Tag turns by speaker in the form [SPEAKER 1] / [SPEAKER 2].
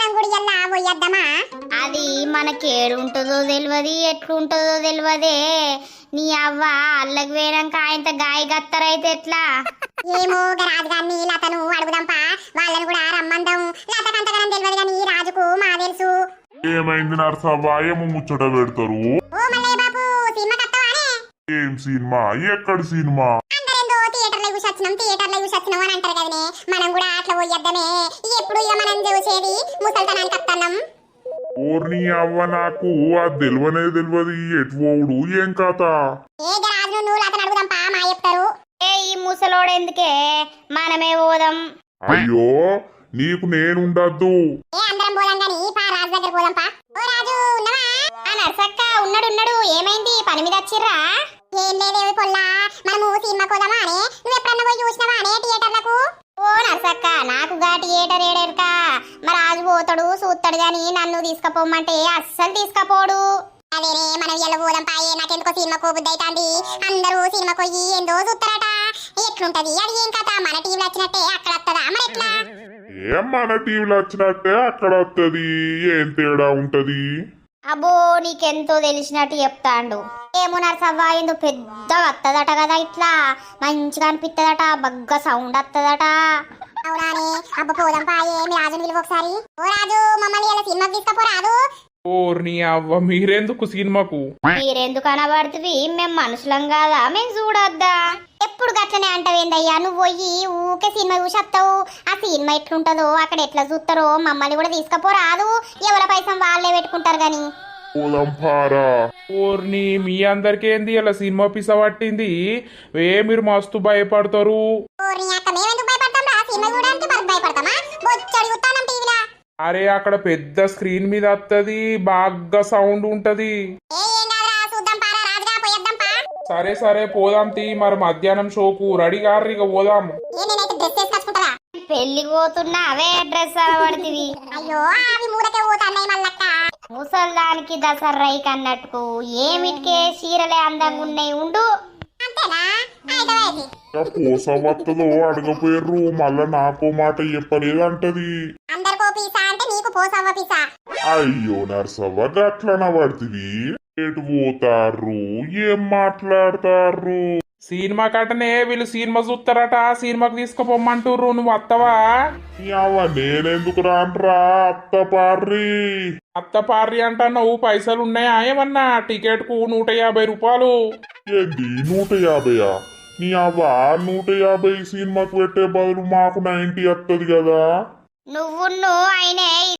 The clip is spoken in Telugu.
[SPEAKER 1] మనం కూడా ఇలా పోయొద్దామా?
[SPEAKER 2] అది మనకేడుంటుందో తెలియదు, ఎట్లుంటుందో తెలియదే. నీ అవ్వ అల్లకి వేయడానికి ఆయనతో గాయ గత్తరైతే ఎట్లా?
[SPEAKER 1] ఏమో రాజుగారిని లతను అడుగుదాంపా, వాళ్ళని కూడా రమ్మందాం. లతకంతగానం తెలియదు కానీ రాజుకు మా తెలుసు.
[SPEAKER 3] ఏమైంది నర్సవ్వ? ఏమో ముచ్చట పెడతారు.
[SPEAKER 1] ఓ మల్లయ్య బాబు, సినిమా కత్తవానే?
[SPEAKER 3] ఏం సినిమా? ఎక్కడి సినిమా?
[SPEAKER 1] అందరేందో థియేటర్లో చూసొచ్చినాం అని అంటారు కదనే, మనం కూడా అట్లా పోయొద్దామే. ఎప్పుడు ఇక మనం చూసేది ముసల్తనానికి కత్తన్నాం.
[SPEAKER 3] ఓర్ని అవ్వ, నాకు అది తెలియదు. ఎటు పోవుడు ఏం కథ?
[SPEAKER 1] ఏ రాజు నువ్వు లతను అడుగుదాంపా, మా చెప్తారు.
[SPEAKER 2] ఈ ముసలోడెందుకే, మనమే పోదాం.
[SPEAKER 3] అయ్యో, నీకు నేనుండద్దు.
[SPEAKER 1] ఏ అందరం పోదాం గాని పా రాజు దగ్గర పోదాంపా. ఓ రాజు ఉన్నవా?
[SPEAKER 2] ఆ నర్సక్క ఉన్నాడు. ఏమైంది, పని మీద వచ్చిర్రా?
[SPEAKER 1] ఏం లేదేవి పొల్లా, మనము సినిమా పోదామా అనే. నువ్వు ఎప్పుడన్నా పోయి చూసినావా అనే థియేటర్లకు?
[SPEAKER 2] ఓ నర్సక్క, నాకు గా థియేటర్ ఏడేరుకా. మరి రాజు పోతాడు చూస్తాడు గాని నన్ను తీసుకపోమంటే అస్సలు తీసుకపోడు.
[SPEAKER 1] అదేనే, మనం ఎలా పోదాం పాయే. నాకెందుకో సినిమా కోబుద్ది అవుతాంది. అందరూ సినిమా పోయి ఏందో చూస్తారట. ఎట్లుంటది అది? ఏం కథ? మన టీవీలో వచ్చినట్టే అక్కడ వస్తుందా మరి ఎట్లా?
[SPEAKER 3] ఏం మన టీవీలో వచ్చినట్టే అక్కడ వస్తుంది. ఏం తేడా ఉంటది?
[SPEAKER 2] అబ్బో, నీకెంతో తెలిసినట్టు చెప్తాండు. ఏమో నర్సవ్వ, ఎందుకు పెద్దగా వత్తదట కదా, ఇట్లా మంచిగా అనిపిత్తదట, బగ్గ సౌండ్ వత్తదట.
[SPEAKER 1] అవునానే, అబ్బ పోదాం పాయే. మీ రాజుని పిలువ ఒకసారి. ఓ రాజు, మమ్మల్ని ఇలా సినిమాకి తీసుకపోరాదు.
[SPEAKER 4] ఓర్ని అవ్వ, మీరెందుకు సినిమాకు?
[SPEAKER 2] మీరెందుకు అనబడుతుంది? మేము మనుషులం కాదా? మేము చూడొద్దా? ఎప్పుడు గట్లనే అంటావేందయ్యా? నువ్వు పోయి ఊకే సినిమా చూసేస్తావు. ఆ సినిమా ఎట్లుంటదో, అక్కడ ఎట్లా చూస్తారో మమ్మల్ని కూడా తీసుకపోరాదు. ఎవరి పైసం వాళ్ళే పెట్టుకుంటారు గాని.
[SPEAKER 3] పోదాం పారా.
[SPEAKER 4] ఓర్ని, మీ అందరికేంది ఇలా సినిమా పిస పట్టింది? మీరు మస్తు భయపడతారు.
[SPEAKER 1] ఓరి అక్క, మేమెందుకు భయపడతాం రా? సినిమా చూడడానికి మనకు భయపడతామా? బొచ్చడి చూస్తాం టీవీలో.
[SPEAKER 4] అరే, అక్కడ పెద్ద స్క్రీన్ మీద వస్తుంది, బాగా సౌండ్ ఉంటది.
[SPEAKER 1] ఏం కాదురా, చూద్దాం పారా రాజుగా, పోయేద్దాం పా.
[SPEAKER 4] సరే పోదాం తీ. మరి మధ్యాహ్నం షోకు రెడీ గారు, ఇక పోదాం.
[SPEAKER 1] నేనైతే డ్రెస్ వేసుకొచ్చుకుంటావా?
[SPEAKER 2] పెళ్లికి పోతున్నా అవే డ్రెస్ అనబడుతుంది.
[SPEAKER 1] అయ్యో, అవి మూడకే పోతాన్నాయి మళ్ళక్క.
[SPEAKER 2] ముసల్దానికి దసర్రైకి అన్నట్టుకు ఏమిటికే చీరలే అందంగా ఉన్నాయి. ఉండు.
[SPEAKER 1] అంతేనా? అయితే వేసి.
[SPEAKER 3] పోసవత్తదో అడగపోయారు. మళ్ళా నాకో మాట చెప్పలేదు అంటది.
[SPEAKER 1] అందరికో పీసా అంటే నీకు పోసవ్వ పీసా.
[SPEAKER 3] అయ్యో నర్సవ్వ, గట్లన పడుతుంది. ఎటు పోతారు? ఏం మాట్లాడతారు?
[SPEAKER 4] సినిమా కట్టనే వీళ్ళు సినిమా చూస్తారట, సినిమాకి తీసుకుపోమ్మంటుర్రు. నువ్వు వత్తవా?
[SPEAKER 3] నేనెందుకు రాన్రా?
[SPEAKER 4] అత్త పార్రి అంటున్నావు. పైసలు ఉన్నాయా ఏమన్నా? టికెట్ కు 150 రూపాయలు.
[SPEAKER 3] ఏంది 150? నీ అవ్వ 150 సినిమాకు పెట్టే బదులు మాకు 90 వస్తుంది కదా.
[SPEAKER 2] నువ్వు అయినే